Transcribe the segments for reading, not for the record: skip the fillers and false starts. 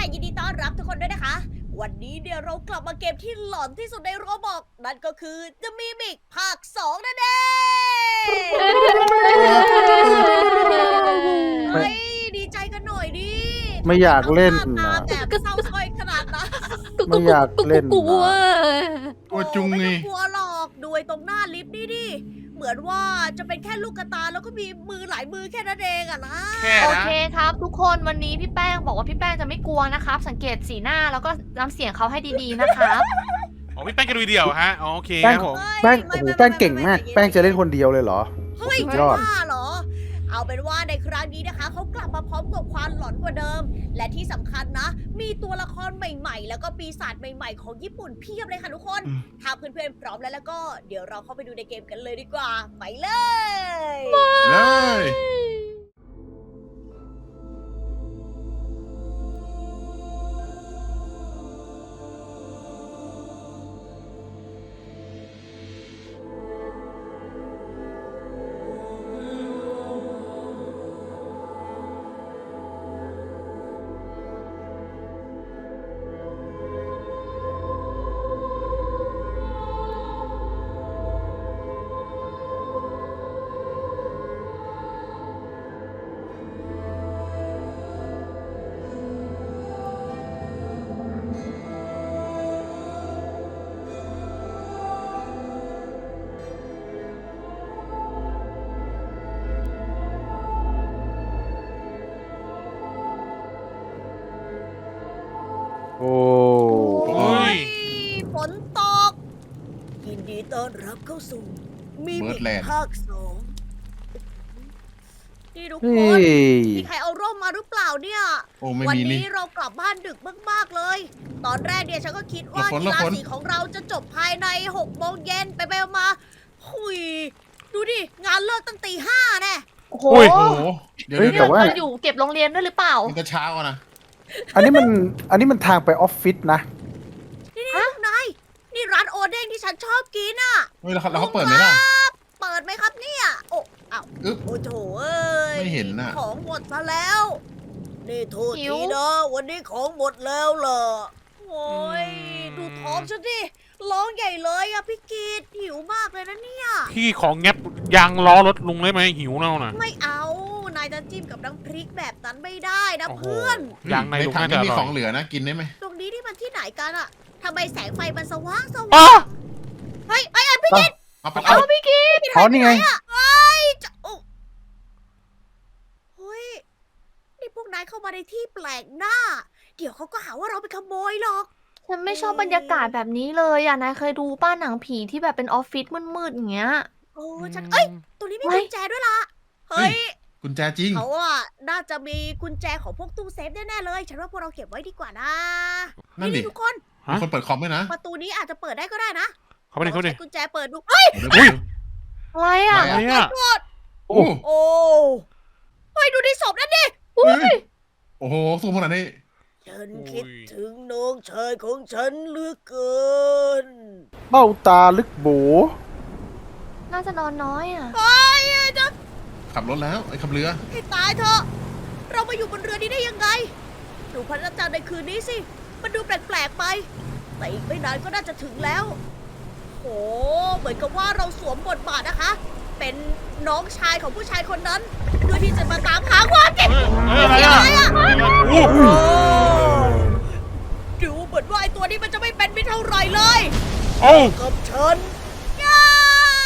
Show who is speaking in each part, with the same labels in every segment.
Speaker 1: ยินดีต้อนรับทุกคนด้วยนะคะ วันนี้เนี่ยเรากลับมาเกมที่หลอนที่สุดในโรบอกนั่นก็คือ The Mimic ภาค 2 นั่นเองเฮ้ยดีใจกันหน่อยดิ
Speaker 2: ไม่อยากเล่น
Speaker 1: ตา
Speaker 2: นะ
Speaker 1: แบบเศร้าส้อยขนาดนั้น
Speaker 2: ไม่อยากเล่น
Speaker 3: กลัว
Speaker 2: นะ
Speaker 4: กลัวจุง
Speaker 1: ไม่
Speaker 4: ไง
Speaker 1: ต้องกลัวหรอกดูไอ้ตรงหน้าลิฟต์นี่ดิเหมือนว่าจะเป็นแค่ลูกกระตาแล้วก็มีมือหลายมือแค่นั้นเองอะนะ
Speaker 4: แค่
Speaker 3: โอ
Speaker 4: นะ
Speaker 3: เคครับ ทุกคนวันนี้พี่แป้งบอกว่าพี่แป้งจะไม่กลัวนะครับ สังเกตสีหน้าแล้วก็น้ำเสียงเขาให้ดีๆนะครับ
Speaker 4: อ๋อพี่แป้งแกดูเดียวฮะอ๋อโอเค
Speaker 2: แป้
Speaker 4: ค
Speaker 2: ง
Speaker 4: รับผม
Speaker 2: แป้งโอ้โหแป้งเก่งมาก แป้งจะเล่นคนเดียวเลยเหรอ
Speaker 1: เฮ้ย
Speaker 2: สุด
Speaker 1: จะ
Speaker 2: ยอด
Speaker 1: บ้าเหรอ เอาเป็นว่าในครั้งนี้นะคะเขากลับมาพร้อมกับความหลอนกว่าเดิม และที่สำคัญนะ มีตัวละครใหม่ๆ แล้วก็ปีศาจใหม่ๆ ของญี่ปุ่นเพียบเลยค่ะทุกคน ถ้าเพื่อนๆพร้อมแล้วก็เดี๋ยวเราเข้าไปดูในเกมกันเลยดีกว่า ไปเลย
Speaker 4: เลย
Speaker 2: โอ้
Speaker 4: โอ้ย
Speaker 1: ฝนตก ยินดีต้อนรับเข้าสู่มี
Speaker 4: เบิ
Speaker 1: มิ
Speaker 4: ร์ดแลนด์
Speaker 1: ภาค 2นี่ทุก
Speaker 2: เฮ้
Speaker 1: คน
Speaker 2: ย
Speaker 1: มีใครเอาร่มมาหรือเปล่าเนี่ย
Speaker 4: โอ้ไม่
Speaker 1: วัน
Speaker 4: มีนี่
Speaker 1: นี้เรากลับบ้านดึกมากๆเลย ตอนแรกเนี่ยฉันก็คิดว่า
Speaker 4: หลบฝน
Speaker 1: กีฬา
Speaker 4: หลบฝน
Speaker 1: สีของเราจะจบภายใน6 โมงเย็นไปๆมาหุยดูดิ งานเลิกตั้งตี 5แน่
Speaker 3: โอ้โห
Speaker 4: โอ้โหเดี๋ยว
Speaker 2: เฮ้ย
Speaker 4: เดี๋ยว
Speaker 2: แต่ว่า
Speaker 3: เราอยู่เก็บโรงเรียนด้วยหรือเปล่า
Speaker 4: มันจะเช้าอะนะ
Speaker 2: อันนี้มันทางไปออฟฟิศนะ
Speaker 1: นี่พวกนาย นี่ร้านโอเด้งที่ฉันชอบกินอ่ะ
Speaker 4: เฮ้ยแล้วเขาเปิดไหมล่ะ
Speaker 1: เปิดไหมครับเนี่ย โอ้อ้าว
Speaker 4: อึ๊บ
Speaker 1: โอ้โถเอ้ย
Speaker 4: ไม่เห็นน่ะ
Speaker 1: ของหมดซะแล้ว นี่โทษ
Speaker 3: หิ
Speaker 1: ที
Speaker 3: ว
Speaker 1: นะวันนี้ของหมดแล้วเหรอโอ้ยดูท้องฉันดิร้องใหญ่เลยอะพี่กีดหิวมากเลยนะเนี่ย
Speaker 5: พี่ของแงบยางล้อรถลุงได้ไหมหิวเน่าน่ะ
Speaker 1: ไม่เอา นายจะจิ้มกับน้ำพริกแบบนั้นไม่ได้นะ
Speaker 5: โอ้โห
Speaker 1: เพื่อน
Speaker 5: ยางในลุง
Speaker 4: ถัง
Speaker 5: น่าจะ
Speaker 4: ไม่
Speaker 5: อ
Speaker 4: มี
Speaker 5: ร่
Speaker 4: ข
Speaker 5: อ
Speaker 4: อง
Speaker 5: ย
Speaker 4: เหลือนะ กินได้ไหม
Speaker 1: ตรงนี้ที่มันที่ไหนกันอะทำไมแสงไฟมันสว่างส
Speaker 5: อ้า
Speaker 1: ว่างเฮ้ยไอ้พี่กีด
Speaker 4: เอาไปเอา
Speaker 3: พี่กิ๊ก
Speaker 2: อ๋อนี่ไง
Speaker 1: เฮ้ยจะโอ้เฮ้ย นี่พวกนายเข้ามาในที่แปลกหน้า เดี๋ยวเขาก็หาว่าเราไปขโมยหรอก
Speaker 3: ฉันไม่ชอบบรรยากาศแบบนี้เลยอ่ะนายเคยดูป้าหนังผีที่แบบเป็นออฟฟิศมืดๆอย่างเงี้ย
Speaker 1: โอ้ฉันเอ้ย ตัวนี้มีกุญแจด้วยล่ะ เฮ้ย
Speaker 4: กุญแจจริง
Speaker 1: เขาอะน่าจะมีกุญแจของพวกตู้เซฟแน่ๆเลย ฉันว่าพวกเราเก็บไว้ดีกว่านะ
Speaker 4: นั่นดิ
Speaker 1: ทุกคน
Speaker 5: ฮะ
Speaker 4: มีคนเปิดคอมด้วยนะ
Speaker 1: ประตูนี้อาจจะเปิดได้ก็ได้นะ
Speaker 5: เขาไม่ได้เขาไม่
Speaker 1: ใช้
Speaker 5: ได้
Speaker 1: กุญแจเปิดดูเฮ้ย
Speaker 4: เดี๋ยวเดี๋ยว
Speaker 3: อะไรอ่ะ
Speaker 4: อะไร
Speaker 5: อะไรอ่ะ
Speaker 1: กด
Speaker 4: โอ้
Speaker 1: โอ้เฮ้ยดูในศพนั่นดิ
Speaker 3: อุ้ย
Speaker 4: โอ้โหสูงขนาดนี้
Speaker 1: ฉันคิดถึงน้องชายของฉันเหลือเกิน
Speaker 2: เบ้าตาลึกโบ
Speaker 3: น่าจะนอนน้อยอ่ะ
Speaker 1: เฮ้ยจะ
Speaker 4: ขับรถแล้วไอ้ขับเรือ
Speaker 1: ให้ตายเถอะ เรามาอยู่บนเรือนี้ได้ยังไง ดูพระจันทร์ในคืนนี้สิ มันดูแปลกๆไป แต่อีกไม่นานก็น่าจะถึงแล้ว โอ้เหมือนกับว่าเราสวมบทบาทนะคะ เป็นน้องชายของผู้ชายคนนั้นเพื่อที่จะมาตามหาความจริง
Speaker 5: อะไรอ่ะโอ้โห
Speaker 1: โอ้ดูเหมือนว่าไอตัวนี้มันจะไม่เป็นมิตรเท่าไหร่เลย
Speaker 5: โอ้
Speaker 1: กับฉันง่าย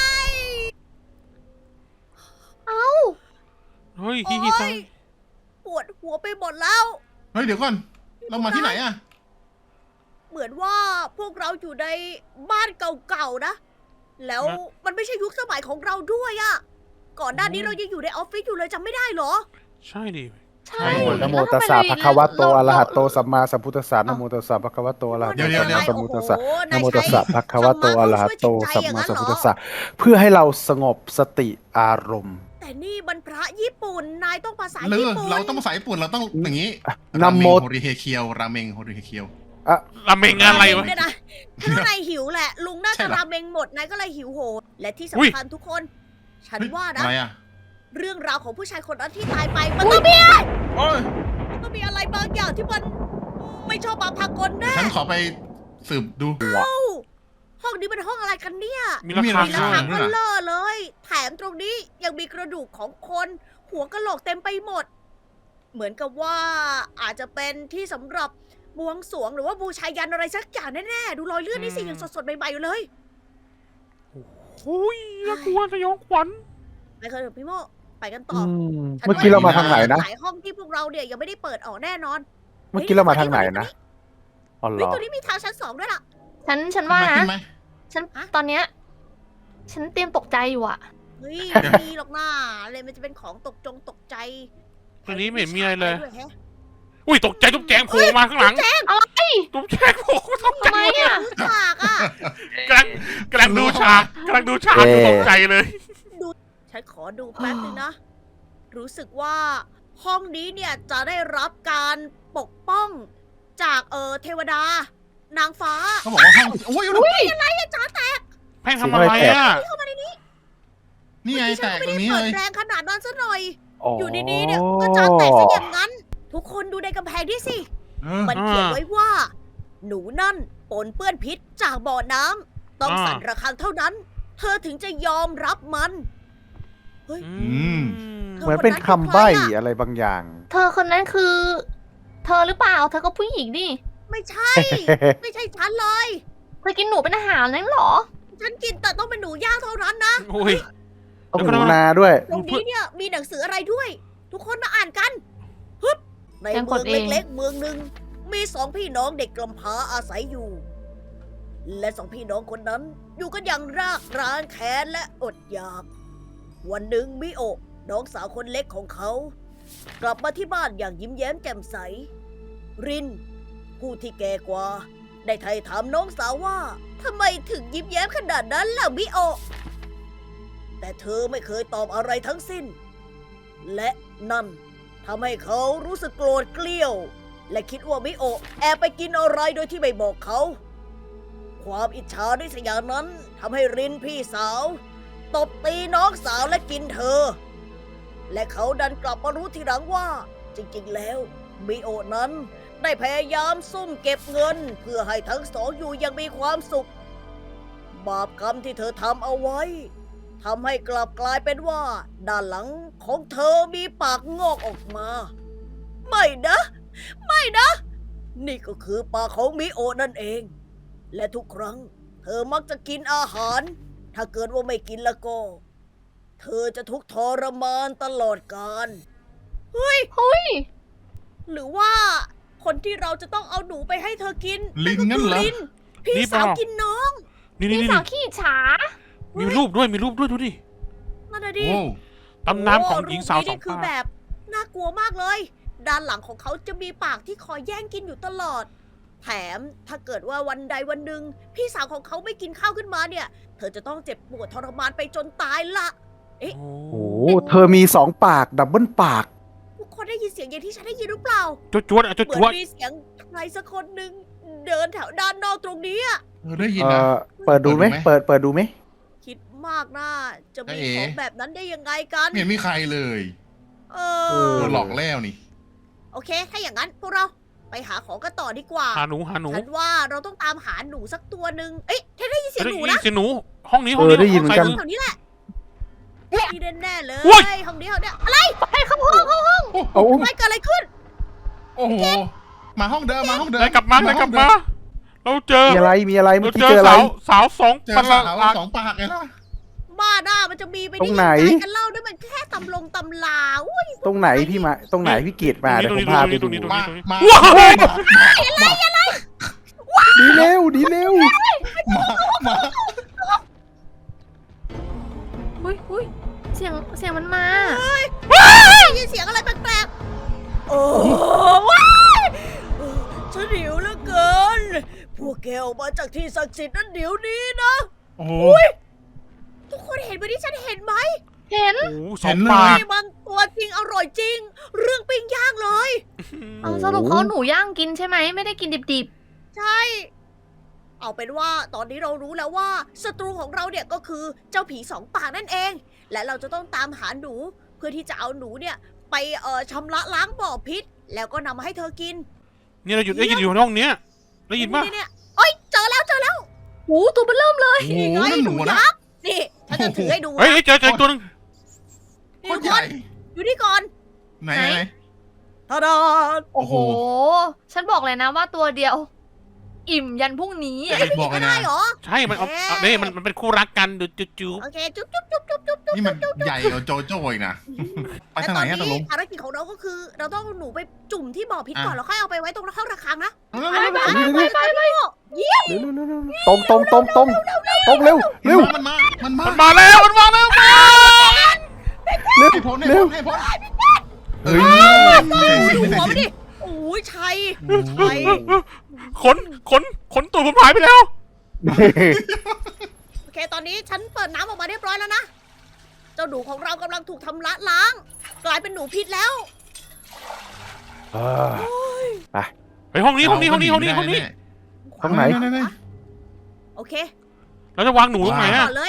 Speaker 3: เอ้า
Speaker 5: เฮ้ยฮิฮิซัง
Speaker 1: ปวดหัวไปหมดแล้ว
Speaker 4: เฮ้ยเดี๋ยวก่อน เรามาที่ไหนอะ
Speaker 1: เหมือนว่าพวกเราอยู่ในบ้านเก่าๆนะ แล้วมันไม่ใช่ยุคสมัยของเราด้วยอะก่อนหน้านี้เรายังอยู่ในออฟฟิศอยู่เลยจำไม่ได้เหรอ
Speaker 5: ใช่ดิ
Speaker 3: ใช่
Speaker 2: นะโมตัสสะภะคะวะโตอะระหะโตสัมมาสัมพุทธัสสะนะโมตัสสะภะคะวะโตอะระหะโตสัมมาสัมพุทธัสสะนะโมตัสสะภะคะวะโตอะระหะโตสัมมาสัมพุทธัสสะเพื่อให้เราสงบสติอารมณ์
Speaker 1: แต่นี่มันพระญี่ปุ่น นายต้องภาษา
Speaker 4: เรือ
Speaker 1: ญี่ปุ่น
Speaker 4: เราต้องภาษาญี่ปุ่นเราต้องอย่างนี้
Speaker 2: นะโม
Speaker 4: โฮริเฮเคียวราเมงโฮริเฮเคียว
Speaker 5: ราเมงอะไรวะ
Speaker 1: เนี่ยนะถ้านายหิวแหละ ลุงน่า
Speaker 4: ใช่
Speaker 1: จะ
Speaker 4: เหรอ
Speaker 1: ราเมงหมด นายก็เลยหิวโหด และที่
Speaker 5: อุ๊ย
Speaker 1: สำคัญทุกคน ฉัน
Speaker 4: เฮ้ย
Speaker 1: ว่านะ
Speaker 4: อะไรอะ
Speaker 1: เรื่องราวของผู้ชายคนนั้นที่ตายไป มันต้องมีอะไร
Speaker 4: โอ้ย
Speaker 1: มันต้องมีอะไรบางอย่างที่มันไม่ชอบมาพากลแน่
Speaker 4: ฉันขอไปสืบดู
Speaker 1: ห้องนี้เป็นห้องอะไรกันเนี่ย
Speaker 5: มีราคา
Speaker 1: มีรา
Speaker 5: ข้า
Speaker 1: คาง เบลเลอร์เลย แถมตรงนี้ยังมีกระดูกของคน หัวกะโหลกเต็มไปหมด เหมือนกับว่าอาจจะเป็นที่สำหรับบวงสรวงหรือว่าบูชายันอะไรสักอย่างแน่ๆ ดูรอยเลือดนี่สิยังสดๆใหม่ๆอยู่เลย
Speaker 5: อุ้ยน่ากลัวสยองขวัญ
Speaker 1: ไปกันเถอะพี่โมไปกันต่อ ฉัน
Speaker 2: เมื่อกี้เรามาทางไหนนะ
Speaker 1: หลายห้องที่พวกเราเนี่ยยังไม่ได้เปิดออกแน่นอน
Speaker 2: เมื่อกี้เรามาทางไหนนะอ๋อเหร
Speaker 1: เฮ้ย
Speaker 2: อ
Speaker 1: ตัวนี้มีทางชั้น 2ด้วยล่ะ
Speaker 3: ฉันว่า
Speaker 4: ขึ้
Speaker 3: นะ
Speaker 4: นไหม
Speaker 3: ฉัน
Speaker 1: ฮะ
Speaker 3: ตอนเนี้ยฉันเตรียมตกใจอยู่อะ
Speaker 1: เฮ้ยไม่มีหรอกนะอะไรมันจะเป็นของตกใจ
Speaker 5: ตัวนี้ไม่เห็นมีอะไรเลย
Speaker 1: ด้วยแฮะ
Speaker 5: อุ้ยตกใจตุ๊กแจงโผล่มาข้างหลัง
Speaker 3: อะไร
Speaker 5: ตุ๊กแจงโผล่ตกใจ
Speaker 3: ทำไมอะ
Speaker 1: รู้ฉากอ่ะ
Speaker 5: กำลังดูฉากอยู่ตกใจเลย
Speaker 1: ฉันขอดูแป๊บนึงนะ รู้สึกว่าห้องนี้เนี่ยจะได้รับการปกป้องจากเทวดา นางฟ้า
Speaker 4: เขาบอกว่าห้องโอ้ย
Speaker 1: อะไรอะจ๋าแตก
Speaker 5: แพ่งทำอะไรอ่ะ
Speaker 4: นี่ไง
Speaker 1: ที่ฉั
Speaker 4: แต
Speaker 1: น
Speaker 4: ก
Speaker 1: ก็
Speaker 4: ต
Speaker 1: ไม่
Speaker 4: รง
Speaker 1: ได้
Speaker 4: นี้
Speaker 1: เปิ
Speaker 4: เล
Speaker 1: ด
Speaker 4: ย
Speaker 1: แรงขนาดนั้นซะหน่อย
Speaker 2: อ๋อ
Speaker 1: อ
Speaker 2: อยู่
Speaker 1: ดีๆเนี่ยก็จ๋าแตกซะอย่างนั้น ทุกคนดูในกำแพงที่สิ
Speaker 4: เออ
Speaker 1: มันเขียนไว้ว่า หนูนั่นปนเปื้อนพิษจากบ่อน้ำต้องสั่นระฆังเท่านั้น เธอถึงจะยอมรับมัน
Speaker 2: เหมือนเป็นคำใบ้อะไรบางอย่าง
Speaker 3: เธอคนนั้นคือ เธอหรือเปล่า เธอก็ผู้หญิงดิ
Speaker 1: ไม่ใช่ ไม่ใช่ฉันเลย
Speaker 3: เธอกินหนูเป็นอาหารนั่นเหรอ
Speaker 1: ฉันกินแต่ต้องเป็นหนูย่างเท่านั้นนะ
Speaker 5: โอ้ย
Speaker 2: ต้องหนูนาด้วย
Speaker 1: ตรงนี้เนี่ยมีหนังสืออะไรด้วย ทุกคนมาอ่านกันฮึบใน
Speaker 3: ยังก
Speaker 1: เมื
Speaker 3: ด
Speaker 1: อง
Speaker 3: เอง
Speaker 1: เล็กๆเมืองหนึ่งมีสองพี่น้องเด็กกำพร้าอาศัยอยู่ และสองพี่น้องคนนั้น อยู่กันอย่างรากร้างแค้นและอดอยาก วันหนึ่งมิโอะน้องสาวคนเล็กของเขา กลับมาที่บ้านอย่างยิ้มแย้มแจ่มใส ริน ผู้ที่แก่กว่า ได้ไถ่ถามน้องสาวว่าทำไมถึงยิ้มแย้มขนาดนั้นล่ะมิโอะแต่เธอไม่เคยตอบอะไรทั้งสิ้น และนั่นทำให้เขารู้สึกโกรธเกลี้ยว และคิดว่ามิโอะแอบไปกินอะไรโดยที่ไม่บอกเขา ความอิจฉาริษยานั้นทำให้รินพี่สาว ตบตีน้องสาวและกินเธอ และเขาดันกลับมารู้ทีหลังว่า จริงๆแล้วมิโอะนั้นได้พยายามซุ่มเก็บเงิน เพื่อให้ทั้งสองอยู่อยังมีความสุข บาปกรรมที่เธอทำเอาไว้ทำให้กลับกลายเป็นว่า ด้านหลังของเธอมีปากงอกออกมา ไม่นะ ไม่นะ นี่ก็คือปากของมิโอะนั่นเอง และทุกครั้ง เธอมักจะกินอาหาร ถ้าเกิดว่าไม่กินแล้วก็ เธอจะทุกข์ทรมานตลอดกาลเฮ้ย
Speaker 3: เฮ้ย
Speaker 1: หรือว่าคนที่เราจะต้องเอาหนูไปให้เธอกิน
Speaker 4: ลิงงั้นเหรอ
Speaker 1: ลินพี่
Speaker 5: นี่เป
Speaker 1: สา
Speaker 5: ล่า
Speaker 1: วกินน้อง
Speaker 5: นี่
Speaker 3: พี่
Speaker 5: นี่
Speaker 3: สาวขี้อิจฉา
Speaker 5: มีรูปด้วยดูดิ
Speaker 1: นั่นน่ะดิ
Speaker 4: โอ้
Speaker 5: ตำนานของหญิงสาว
Speaker 1: รูปนี้
Speaker 5: สอง
Speaker 1: นี่คือ
Speaker 5: ปา
Speaker 1: แบ
Speaker 5: ก
Speaker 1: บน่ากลัวมากเลย ด้านหลังของเขาจะมีปากที่คอยแย่งกินอยู่ตลอด แถมถ้าเกิดว่าวันใดวันหนึ่งพี่สาวของเขาไม่กินข้าวขึ้นมาเนี่ย เธอจะต้องเจ็บปวดทรมานไปจนตายละ
Speaker 5: โอ้
Speaker 2: โอ้เธอมี2 ปากดับเบิลปาก
Speaker 1: ทุกคนได้ยินเสียงอย่างที่ฉันได้ยินหรือเปล่า
Speaker 5: จวดอ่ะ
Speaker 1: เหมื
Speaker 5: จ
Speaker 1: อ
Speaker 5: วด
Speaker 1: นมีเสียงใครสักคนหนึ่งเดินแถวด้านนอกตรงนี้อะ
Speaker 4: ได้ยิน
Speaker 2: เอ
Speaker 4: นะ
Speaker 2: อเปิดดูไหม
Speaker 4: เปิดดูไหม
Speaker 2: เปิดดูไหม
Speaker 1: คิดมากนะจะมี
Speaker 4: เอ๊ะ
Speaker 1: ของแบบนั้นได้ยังไงกัน
Speaker 4: ไม่เห็นมีใครเลย
Speaker 1: เอ
Speaker 2: เอ
Speaker 1: อ
Speaker 4: โดนหลอกแล้วนี่
Speaker 1: โอเค ถ้าอย่างนั้นพวกเราไปหาของกันต่อดีกว่า
Speaker 5: หาหนู
Speaker 1: ฉันว่าเราต้องตามหาหนูสักตัวหนึ่งเอ๊ะเธอได้ยินเสียงหนู
Speaker 5: นี่
Speaker 1: นะ
Speaker 5: เสียงหนู ห้องนี้
Speaker 2: เออได้ยินเหมือนกัน
Speaker 1: แถวนี้แหละนี่แน่ๆเลย
Speaker 5: อุ๊ย
Speaker 1: ห้องนี้ห้องเนี้ยอะไร
Speaker 3: ให้เข้าห้อง
Speaker 2: เอา
Speaker 1: ไม่เกิดอะไรขึ้น
Speaker 4: โอ้โห มาห้องเดิมมาห้องเดิม
Speaker 5: ได้กลับมา เราเจอ
Speaker 2: มีอะไรเมื่
Speaker 5: เรา
Speaker 2: อกี้
Speaker 5: เจ
Speaker 2: เจ
Speaker 5: อ
Speaker 2: ออะไร
Speaker 5: สาวสอง
Speaker 4: เจอ
Speaker 5: ประห
Speaker 4: สาว
Speaker 5: ลาด
Speaker 4: 2 ปากไงล่ะ
Speaker 1: บ้าหน้ามันจะมีไป
Speaker 2: ตรงไหน
Speaker 1: ด้ยังไงกันเล่าด้วยมันแค่ตำลาอุ้ย
Speaker 2: ตรงไหนพี่มาตรงไหนพี่เกดมาเดี๋ยวผมพาไปดู
Speaker 4: มามา
Speaker 2: ดีเร็วดีเร็ว
Speaker 4: มา
Speaker 3: อุ้ยเสียงมันมา
Speaker 1: ได้ยินเสียงอะไรแปลกๆโอ้ว้ายฉันหิวเหลือเกิน พวกแกออกมาจากที่ศักดิ์สิทธิ์นั้นเดี๋ยวนี้นะ
Speaker 5: โอ้โห
Speaker 1: ทุกคนเห็นไหมที่ฉันเห็นไหม
Speaker 3: เห็น
Speaker 5: สองปาก
Speaker 1: นี่มันตัวจริงอร่อยจริง เรื่องปิ้งย่างเลย
Speaker 3: เอาสรุปเขาหนูย่างกินใช่ไหม ไม่ได้กินดิบ
Speaker 1: ใช่ เอาเป็นว่าตอนนี้เรารู้แล้วว่าศัตรูของเราเนี่ยก็คือเจ้าผี2 ปากนั่นเอง และเราจะต้องตามหาหนูเพื่อที่จะเอาหนูเนี่ยไปชำระล้างบ่อพิษ แล้วก็นำมาให้เธอกิน
Speaker 5: เนี่ยเราได้ยินอยู่ในห้องเนี้ยได้ยินป่ะ
Speaker 1: เนี่ยเอ้ยเจอแล้ว
Speaker 3: โอ้ตัวมันเริ่มเลย
Speaker 4: โอ้โห
Speaker 1: นี่ไง
Speaker 4: นั่นห
Speaker 1: ห
Speaker 4: นู
Speaker 1: นู
Speaker 4: นะ
Speaker 1: ยักษ์นี่ฉันจะถือให้ดู
Speaker 5: เฮ้ย
Speaker 1: นะ
Speaker 5: เจอตัวนึง
Speaker 4: โคตรใหญ่
Speaker 1: อยู่นี่ก่อน
Speaker 4: ไหน
Speaker 1: ทาดา
Speaker 3: โอ้โห ฉันบอกเลยนะว่าตัวเดียว อิ่มยันพรุ่งนี้
Speaker 4: บอกเลย
Speaker 1: ได้
Speaker 4: นะ
Speaker 1: เหรอ
Speaker 5: ใช่มันเอานี่มันเป็นคู่รักกันดูจู
Speaker 1: โอเคจุ๊บ
Speaker 4: นี่มันใหญ่กว่าโจโจ้อีกนะไป
Speaker 1: แต่
Speaker 4: ทาง
Speaker 1: ต
Speaker 4: ไห
Speaker 1: อน น
Speaker 4: ฮะตกล
Speaker 1: นี้
Speaker 4: ง
Speaker 1: ภารกิจของเราก็คือ เราต้องเอาหนูไปจุ่มที่บ่อพิษก่อน
Speaker 4: อ่ะ
Speaker 1: แล้วค่อยเอาไปไว้ตรงห้องระฆังนะ
Speaker 4: เอา
Speaker 1: ไป
Speaker 4: แล้ว
Speaker 1: เยี่ยม
Speaker 2: เร็วๆๆๆตรงเร็ว
Speaker 4: มันมา
Speaker 5: มันมาแล้วมันมาแล้ว
Speaker 2: เร็ว
Speaker 4: ให้พ้น
Speaker 2: เร็ว
Speaker 4: ให้พ้น
Speaker 2: เฮ้ย
Speaker 1: ดูหัวมันดิโอ้ยชัย
Speaker 5: ขนตัวผมหายไปแล้ว
Speaker 1: โอเค ตอนนี้ฉันเปิดน้ำออกมาเรียบร้อยแล้วนะ เจ้าหนูของเรากำลังถูกทำละล้าง กลายเป็นหนูพิษแล้ว
Speaker 5: ไปห้องนี้
Speaker 2: ห้องไหน
Speaker 1: โอเค
Speaker 5: เราจะวางหนูตรงไหน
Speaker 1: ก่
Speaker 5: อะ
Speaker 1: อนเลย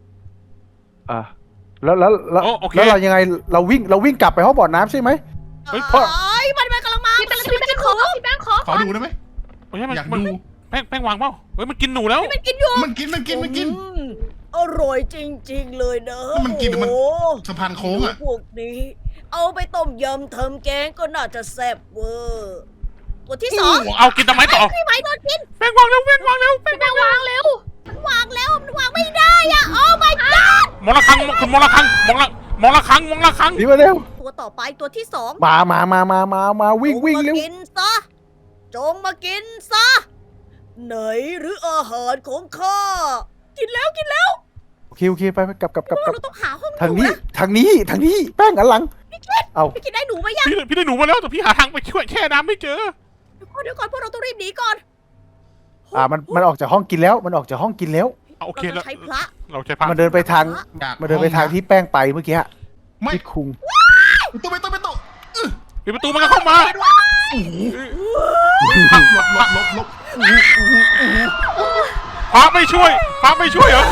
Speaker 2: แล้ว
Speaker 5: โอ้โอเค
Speaker 2: แล้วเรายังไงเราวิ่งกลับไปห้องบ่อน้ำใช่ไหม
Speaker 5: เฮ้ยพ่อ
Speaker 1: มันกำลังมา
Speaker 3: พี่แป้งขอ
Speaker 4: ขอดูได้ไหม
Speaker 5: ไม่ใช่มัน
Speaker 4: อยาก
Speaker 5: มัน
Speaker 4: ดู
Speaker 5: แป้งวางเปล่าเฮ้ยมันกินหนูแล้ว
Speaker 1: มันกินอยู่
Speaker 4: มันกิน
Speaker 1: อร่อยจริงๆเลยเนอะ
Speaker 4: มันกินหรือมัน
Speaker 1: โอ้
Speaker 4: สะพานโค้งอ่ะ
Speaker 1: พวกนี้ เอาไปต้มยำทำแกงก็น่าจะแซ่บเวอร์ตัวที่สอง
Speaker 5: เอากินทำไมต่อ
Speaker 1: พี่ไม้โดนกิน
Speaker 5: แป้งวางเร็วแป้งวางเร็ว
Speaker 3: พี่แป้งวางเร็ว
Speaker 1: มันวางแล้วมันวางไม่ได้อะโอ้ my god
Speaker 5: มองละครั้งคุณมองละครั้งมองละครั้ง
Speaker 2: นี่มาเร็ว
Speaker 1: ตัวต่อไปตัวที่สอง
Speaker 2: มาวิ่งเร็ว
Speaker 1: จมากินซะจงมากินซะไหนหรืออาหารของข้ากินแล้ว
Speaker 2: โอเคไปกลับ
Speaker 1: เราต้องหาห้องห
Speaker 2: ทาง
Speaker 1: นู
Speaker 2: นี้
Speaker 1: นะ
Speaker 2: ทางนี้แป้งอันหลังเอา
Speaker 1: พี่กินได้หนูไหมยัง
Speaker 5: พี่ได้หนูมาแล้วแต่พี่หาทางไปช่วยแช่น้ำไม่เจอ
Speaker 1: เดี๋ยวก่อนพวกเราต้องรีบหนีก่อน
Speaker 2: มันออกจากห้องกินแล้วมันออกจากห้องกินแล้ว
Speaker 5: โอเค
Speaker 1: เรา
Speaker 5: แล้ว
Speaker 1: จะใช้พระ
Speaker 5: เราใช้ผ้า
Speaker 2: มันเดินไปทาง
Speaker 4: อยาก
Speaker 2: มันเดินไปทางที่แป้งไปเมื่อกี้
Speaker 4: ไม่
Speaker 2: ที่คุง
Speaker 4: ตัวไปตัว
Speaker 5: ปิดประตูมันก็เข้ามา
Speaker 4: ลบ
Speaker 5: พระไม่ช่วยเหรอ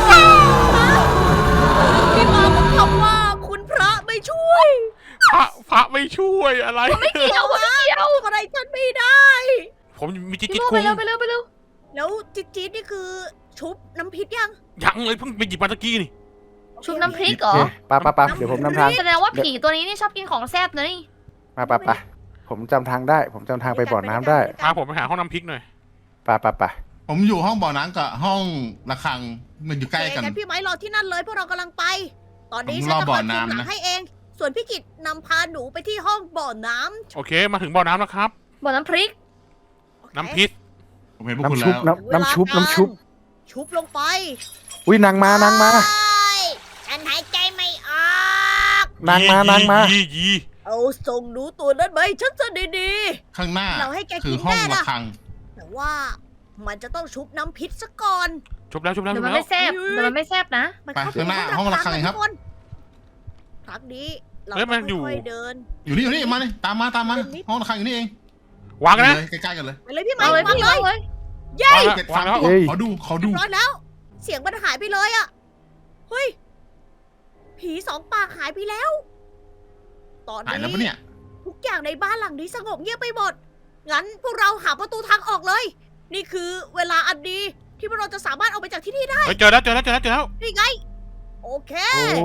Speaker 1: พี่มาบอกคำว่าคุณพระไม่ช่วย
Speaker 5: พระไม่ช่วยอะไร
Speaker 3: ไม่เกี่ยวไม่เกี่ยว
Speaker 1: อะไรฉันไม่ได้
Speaker 5: ผมมีจิ๊
Speaker 3: พี่
Speaker 5: ด
Speaker 3: โม
Speaker 5: คุง
Speaker 3: ไปเร็ว
Speaker 1: แล้วจี๊ดนี่คือชุบน้ำพริกยัง
Speaker 5: ยังเลยเพิ่งไปหยิบมาตะกี้นี่
Speaker 3: ชุบน้ำพริกเหรอ
Speaker 2: ปะเดี๋ยวผมนำทาง
Speaker 3: แสดงว่าผีตัวนี้นี่ชอบกินของแซ่บนะนี่
Speaker 2: ปะผมจำทางได้ ผมจำทางไปบ่อน้ำได้
Speaker 5: พาผมไปหาห้องน้ำพริกหน่อย
Speaker 2: ปะ
Speaker 4: ผมอยู่ห้องบ่อน้ำกับห้องระฆังมันอยู่ใกล้กัน
Speaker 1: งั้นพี่ไม้รอที่นั่นเลยพวกเรากำลังไป ตอนนี้
Speaker 4: ผม
Speaker 1: ฉัน
Speaker 4: รอ
Speaker 1: จะ
Speaker 4: บ่
Speaker 1: ค
Speaker 4: อ
Speaker 1: อย
Speaker 4: น้ำ
Speaker 1: คุมหลัง
Speaker 4: นะ
Speaker 1: ให้เอง ส่วนพี่กิจนำพาหนูไปที่ห้องบ่อน้ำ
Speaker 5: โอเคมาถึงบ่อน้ำแล้วครับ
Speaker 3: บ่อน้ำพริก
Speaker 5: น้ำพริก
Speaker 4: ผมเห็นพวก
Speaker 2: น้ำ
Speaker 4: คุณ
Speaker 2: ชุบ
Speaker 4: แล้ว
Speaker 2: น้ำชุบ
Speaker 1: ชุบลงไป
Speaker 2: อุ้ยนางมา
Speaker 1: ฉันหายใจไม่ออก
Speaker 2: นางมา
Speaker 5: ยี
Speaker 1: เอาส่งหนูตัวนั้นไปฉันจะดี
Speaker 4: ข้างหน้า
Speaker 1: เราให้แกกิน
Speaker 4: คือห้อง
Speaker 1: แน่นะ
Speaker 4: ระฆัง
Speaker 1: ๆแต่ว่ามันจะต้องชุบน้ำพิษซะก่อน
Speaker 5: จบแล้ว
Speaker 3: เดี๋ยวมันไม่แซ่บนะ
Speaker 1: มัน
Speaker 4: ไป
Speaker 1: เข้า
Speaker 4: ข้างหน้า
Speaker 1: ถึ
Speaker 4: ห้องระฆังครับ
Speaker 1: ทุกคนครั้งนี้เราต้องค่อยๆเดิน
Speaker 4: อยู่นี่มาเลยตามมาห้องระฆังอยู่นี่เอง
Speaker 5: วางนะ
Speaker 4: เลยใกล้ๆกันเลย
Speaker 1: ไปเลยพี่ไม้
Speaker 3: เอาเลยว
Speaker 1: าง
Speaker 3: พี่
Speaker 1: เล
Speaker 3: เอา
Speaker 1: ย
Speaker 3: เลย
Speaker 1: เย้
Speaker 4: เก็บฟัง
Speaker 5: วางแล้ว
Speaker 4: ขอดู
Speaker 1: เรียบร้อยแล้ว เสียงมันหายไปเลยอะเฮ้ย ผีสองปากหายไปแล้ว ตอน
Speaker 4: หายแล้ว
Speaker 1: นี้
Speaker 4: ปะเนี่ย
Speaker 1: ทุกอย่างในบ้านหลังนี้สงบเงียบไปหมด งั้นพวกเราหาประตูทางออกเลย นี่คือเวลาอันดีที่พวกเราจะสามารถออกไปจากที่นี่ได้
Speaker 5: เฮ้ยเจอแล้ว
Speaker 1: นี่ไง โอเค
Speaker 2: โอ้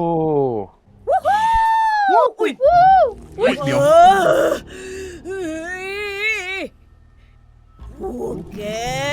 Speaker 1: อุ้ย
Speaker 4: อุ๊ยเดี๋ยว
Speaker 1: เฮ้ยพวกแก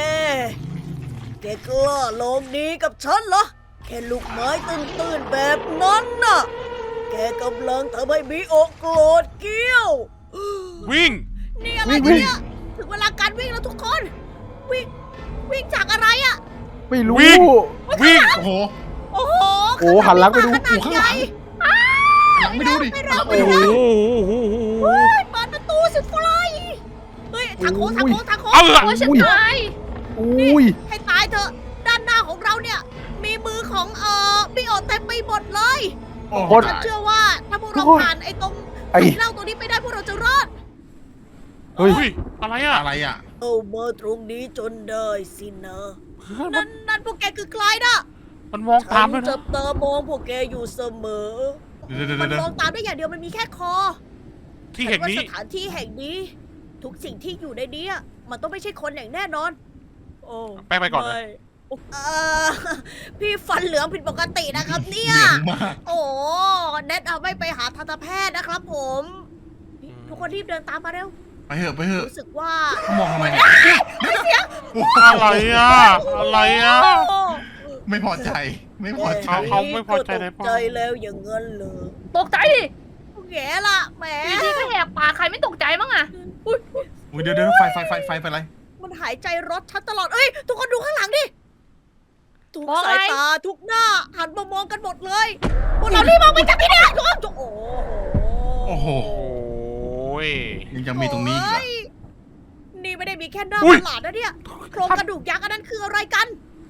Speaker 1: กล้าลงดีกับฉันเหรอ แค่ลูกไม้ตื้นๆแบบนั้นน่ะ แกกำลังทำให้มีอกโกรธเกี้ยว
Speaker 5: วิ่ง
Speaker 1: นี่อะไรเนี่ยถึงเวลาการวิ่งแล้วทุกคน วิ่งจากอะไรอะ
Speaker 2: ไม่รู้
Speaker 5: วิ่ง
Speaker 4: โอ้โห
Speaker 1: โอ้โห
Speaker 2: โอ้หันหลังไปดู
Speaker 1: ขนาดใหญ่
Speaker 4: หลังไม่ดูดิหลังไม่
Speaker 5: โอ้
Speaker 4: ดู
Speaker 5: โห
Speaker 1: เฮ้ยเปิดประตูสิฟลายเฮ้ยทางโค้ง
Speaker 5: เอา
Speaker 3: โอ้ยฉันตาย
Speaker 2: อุ้ย
Speaker 1: ให้ตายเถอะ ด้านหน้าของเราเนี่ย มีมือของบิโอเต็มไปหมดเลย
Speaker 4: โอ้โห
Speaker 1: ฉันเชื่อว่าถ้าพวกเราผ่านไอ้ตรง
Speaker 2: ไอ้
Speaker 1: เหล้าตัวนี้ไปได้พวกเราจะรอด
Speaker 2: เฮ้ย
Speaker 5: อุ้ยอะไรอ่ะ
Speaker 4: อะไรอ่ะ
Speaker 1: เอามาตรงนี้จนได้สินะนั่นพวกแกคือใครนะ
Speaker 5: มันมอง
Speaker 1: ฉั
Speaker 5: ตาม
Speaker 1: น
Speaker 5: ด้วย
Speaker 1: จั
Speaker 5: นะ
Speaker 1: บตามองพวกแกอยู่เสมอ มันมองตามได้อย่างเดียวมันมีแค่คอ
Speaker 5: ที่แห่งนี้
Speaker 1: ว่าสถานที่แห่งนี้ทุกสิ่งที่อยู่ในนี้มันต้องไม่ใช่คนอย่างแน่นอน โอ้
Speaker 5: แป้งไปก่อนเลย
Speaker 1: ม่พี่ฟันเหลืองผิดปกตินะครับเนี่ย
Speaker 4: เหลืองมาก
Speaker 1: โอ้แนทเอาไม่ไปหาทันตแพทย์นะครับผมนี่ทุกคนรีบเดินตามมาเร็ว
Speaker 4: ไปเถอะไปเถอะ
Speaker 1: รู้สึกว่า
Speaker 4: เขามองทำไมเนี่ย
Speaker 5: อะไรอ่ะ อะไรอ่ะ
Speaker 1: โอ้
Speaker 4: ไม่พอใจ ไม่พอใจ
Speaker 5: เขาไม่พอใจใน
Speaker 1: ต
Speaker 5: ป้
Speaker 1: ก
Speaker 5: อ
Speaker 1: ใจแล้วอย่างเงินเลย
Speaker 3: ตกใจดิ
Speaker 1: แง่ล่ะแหม
Speaker 3: พี่ก็แหกปากใครไม่ตกใจมั้งอะ
Speaker 1: อุ๊ย
Speaker 4: อุ๊ยเดี๋ยวไฟไปอะไร
Speaker 1: มันหายใจรถฉันตลอด เอ้ย ทุกคนดูข้างหลังดิ ทุกสายตาทุกหน้าหันมามองกันหมดเลย พวกเรารีบมองไปจากที่นี่ทุกคนโอ้โห
Speaker 4: โอ้โห
Speaker 5: โอ้ย
Speaker 4: ยังจะมีตรงนี้อีกเหรอ
Speaker 1: โยนี่ไม่ได้มีแค่หน้า
Speaker 5: อุ๊
Speaker 1: ป
Speaker 5: ย
Speaker 1: ระหลาดนะเนี่ย โครงกระดูกยักษ์อันนั้นคืออะไรกัน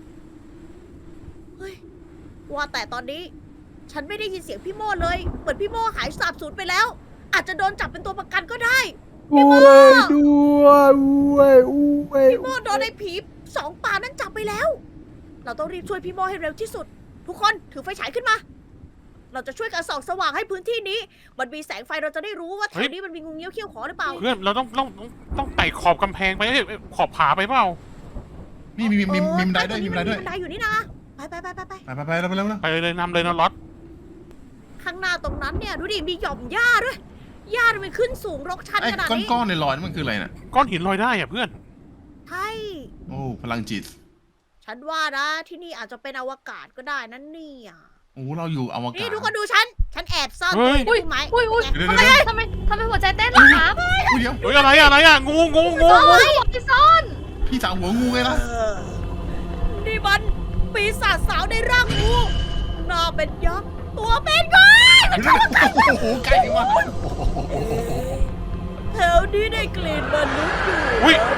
Speaker 1: เฮ้ย ว่าแต่ตอนนี้ ฉันไม่ได้ยินเสียงพี่โม่เลย เหมือนพี่โม่หายสาบสูญไปแล้ว อาจจะโดนจับเป็นตัวประกันก็ได้
Speaker 2: ด้วยด้วย
Speaker 1: พี่โม่โดนไอ้ผีสองป่านั้นจับไปแล้ว เราต้องรีบช่วยพี่โม่ให้เร็วที่สุด ทุกคนถือไฟฉายขึ้นมา เราจะช่วยกันส่องสว่างให้พื้นที่นี้ มันมีแสงไฟเราจะได้รู้ว่าแถ
Speaker 5: เฮ้
Speaker 1: วย นี้มันมีงูเงี้ยวเขี้ยวขอหรือเปล่า
Speaker 5: เพื่อนเราต้องไต่ขอบกำแพงไปเอ้ยขอบผาไปเปล่า
Speaker 4: นี่มีบันไดด้วย
Speaker 1: มี
Speaker 4: มีบันไดด้วย
Speaker 1: บันไดอยู่นี่นะ ไป
Speaker 4: ไปแล้ว
Speaker 5: ไปเลยนำเลยนะล็อต
Speaker 1: ข้างหน้าตรงนั้นเนี่ยดูดิมีหย่อมหญ้าด้วย หญ้ามันขึ้นสูงรกชัน
Speaker 4: ไอ้
Speaker 1: ขนาดนี้
Speaker 4: ก้อนๆในลอยนั่นมันคืออะไรน่ะ
Speaker 5: ก้อนหินลอยได้อ่ะเพื่อน
Speaker 1: ใช่
Speaker 4: โอ้พลังจิต
Speaker 1: ฉันว่านะที่นี่อาจจะเป็นอวกาศก็ได้นั่นนี่ย
Speaker 4: โอ้เราอยู่อวกา
Speaker 1: นี่
Speaker 4: ศ
Speaker 1: ทุกคนดูฉันแอบซ่อน
Speaker 5: เฮ้
Speaker 1: ตัวย อยู่ในพุ่มไม้
Speaker 3: อุ้ย
Speaker 4: เดี๋ยว
Speaker 3: ทำไมหัวใจเต้นล่ะครับ
Speaker 4: เดี๋ยว
Speaker 5: เฮ้ยอะไรอ่ะงู
Speaker 3: ซ่อนไว้ซ่อน
Speaker 4: พี่สาวหัวงูไงล่ะ
Speaker 1: นี่มันปีศาจสาวในร่างงูหน้าเป็นยักษ์ตัวเป็นก้อย
Speaker 4: โอ้โหใกล้ถึงว่า
Speaker 1: แถวนี้ได้กลิ่นมนุษย์อยู่
Speaker 5: อุ้ย